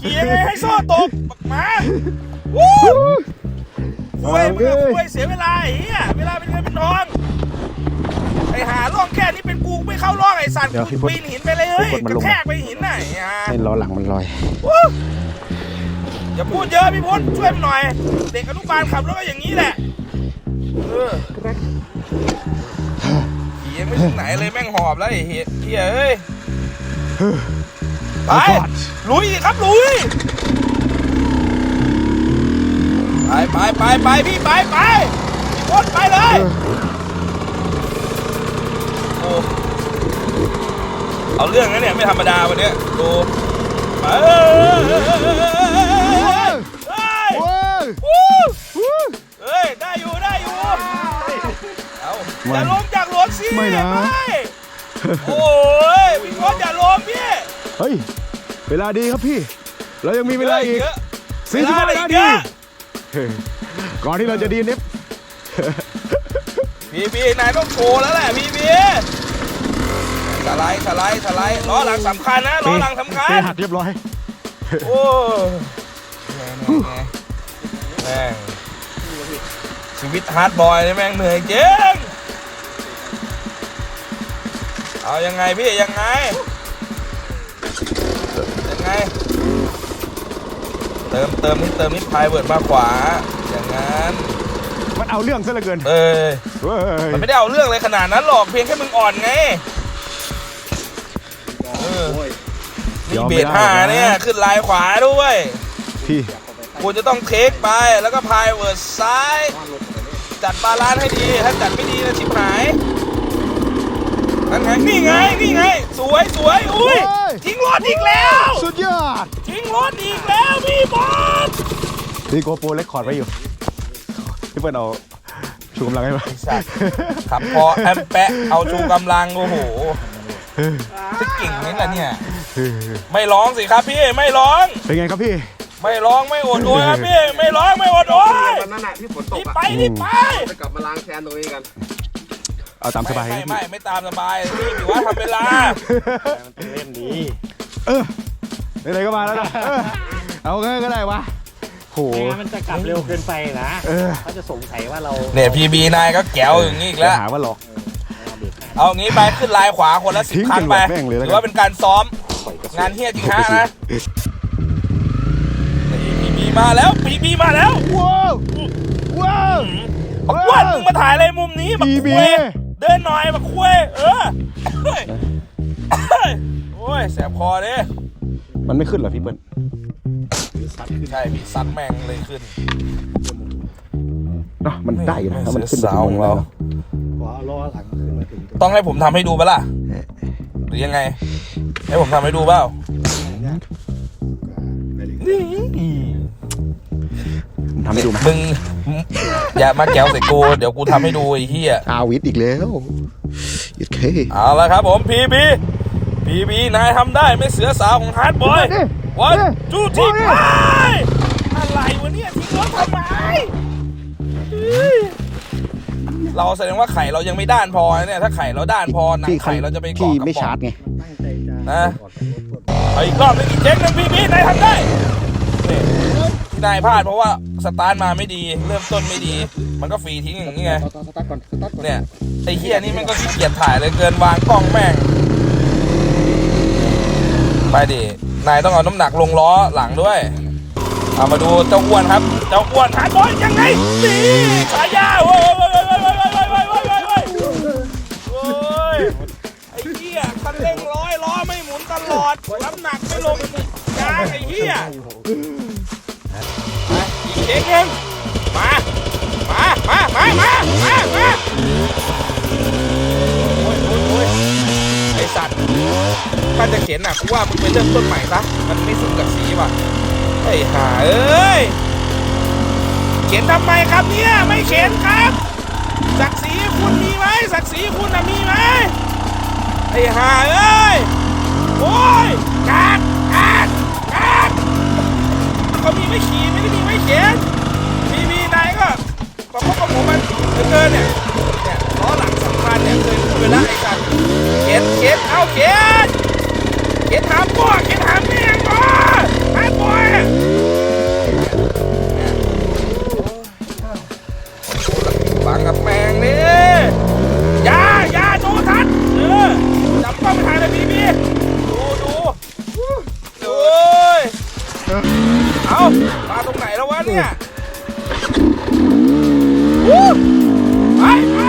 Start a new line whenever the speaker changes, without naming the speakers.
ขี่ยังไงให้โซ่ตกบักหมาวู้คุยมึงคุยเสียเวลาไอ้เหี้ยเวลาเป็นเงินเป็นทองไอ้หาล่องแค่นี้เป็นกูไม่เข้าล่องไอ้สัตว์กูปีนหินไปเลยเฮ้ยกระแทกไปหินไหน
ให้ล้อหลังมันลอย
อย่าพูดเยอะพี่พลช่วยมันหน่อยเด็กอนุบาลขับรถก็อย่างนี้แหละขี่ยังไม่ถึงไหนเลยแม่งหอบแล้วไอ้เหี้ยเฮ้ยไปลุยครับลุยไปพี่ไปพี่พลไปเลยโอ้เอาเรื่องนะเนี่ยไม่ธรรมดาวันนี้ดูไปเฮ้ยได้อยู่เอาอย่าลงจากรถสิไม่นะโอ้ยพี่พลอย่าลงพี่
เฮ้ยเวลาดีครับพี่เรายังมีเวลาอีก40 นาทีก่อนที่เราจะดีนิฟ
พี่นายต้องโชว์แล้วแหละพี่สไลด์ล้อหลังสำคัญนะล้อหลังสำคัญ
หักเรียบร้อย
โอ้แม่งชีวิตฮาร์ดบอยนี่แม่งเหนื่อยจริงเอายังไงพี่ยังไงเติมนิดพายเวิร์ดมาขวาอย่างนั้น
มันเอาเรื่องซะเหลือเกิน
มันไม่ได้เอาเรื่องเลยขนาดนั้นหรอกเพียงแค่มึงอ่อนไงนี่เบรก5เนี่ยขึ้นลายขวาด้วย
พี่
กูจะต้องเทคไปแล้วก็พายเวิร์ดซ้ายจัดบาลานซ์ให้ดีถ้าจัดไม่ดีนะชิบหายนั่นไงนี่ไงสวยอุ้ยทิ้งรถอีกแล้ว
สุดยอด
ทิ้งรถอีกแล้วพี่บอล
พี่โกโปรเล็กคอร์ดไว้อยู่พี่เปิ้ลเอาชูกำลังให้มา
ขับพอแอมแปะเอาชูกำลังโอ้โหจะเก่งไหมล่ะเนี่ยไม่ร้องสิครับพี่ไม่ร้อง
เป็นไงครับพี่
ไม่ร้องไม่อดโอยครับพี่ไม่ร้องไม่อดโอย
วันนั้นที่ฝนตก
รีบไป
จะกลับมาล้างแค้นตรงนี้กัน
เอาตามสบาย
ไม่ตามสบายนี่ถือว่าทำเวลา
มันเป็นเล่มนี้
ไหนก็มาแล้วนะเอาก็ได้วะโห
มันจะกลับเร็วเกินไปนะเขาจะสงสัยว่าเรา
เนี่ยพีบีนายก็แก้วอย่างนี้อีกแล้ว
หาว่าหลอก
เอางี้ไปขึ้นลายขวาคนละ10 ครั้งไปถือว่าเป็นการซ้อมงานเฮี้ยจริงฮะนะพีบีมาแล้ว
ว้าว
บักอ้วนมึงมาถ่ายอะไรมุมนี้บักคุยเดินหน่อยบักคุยโอ้ยแสบคอดิ
มันไม่ขึ้นเหรอพี่เปิ้ล
ใช่พี่ซัดแม่งเลยขึ้น
เนาะมันได้นะมันขึ้น
สาวของเราต้องให้ผมทำให้ดูปะล่ะหรือยังไงให้ผมทำให้ดูเปล่า
ทำให้ดูไหม
มึงอย่ามาแก้วใส่กูเดี๋ยวกูทำให้ดูไอ้เหี้ย
อาวิทอีกแล้วโอเค
เอาละครับผมพีบีนายทำได้ไม่เสือสาวของฮาร์ดบอยวันจูทีไปอะไรวะเนี่ยทิ้งรถทำไมเราแสดงว่าไข่เรายังไม่ด้านพอเนี่ยถ้าไข่เราด้านพอหนังไข่เราจะไปเกาะกับ
ไม่ชาร์จไง
นะอีกรอบนึงอีกเจ๊งนึงพีบีนายทำได้นายพลาดเพราะว่าสตาร์ทมาไม่ดีเริ่มต้นไม่ดีมันก็ฟรีทิ้งอย่างนี้ไงเนี่ยไอ้เฮียนี่มันก็ขี้เกียจถ่ายเลยเกินวางกล้องแม่งไปดินายต้องเอาน้ำหนักลงล้อหลังด้วยเอามาดูเจ้าอ้วนครับเจ้าอ้วนฮาร์ดบอยยังไงนี่ฉายาโอ้ยไอ้เหี้ยคันเร่งร้อยล้อไม่หมุนตลอดน้ำหนักไม่ลงยางไอ้เหี้ยอีกเองมาโอ้ยไอ้สัตว์ถ้าจะเข็นน่ะกูว่ามึงไปเริ่มต้นใหม่ซะมันไม่สุดกับสีว่ะไอ้ห่าเอ้ยเข็นทำไมครับเนี่ยไม่เข็นครับศักดิ์ศรีคุณมีไหมศักดิ์ศรีคุณน่ะมีไหมไอ้ห่าเอ้ยโอ้ยกากก็มีไม่ขี่ไม่ได้มีไม่เข็นมีนายก็ประคบประหงมมันเกินเนี่ยล้อหลังสำคัญเนี่ยเคยพูดไปแล้วไอ้สัตว์เข็นเอาเข็นหามพ่อเข็นหามแม่งก่อนหามบอยมาตรงไหนแล้ววะเนี่ยวู้ไปไป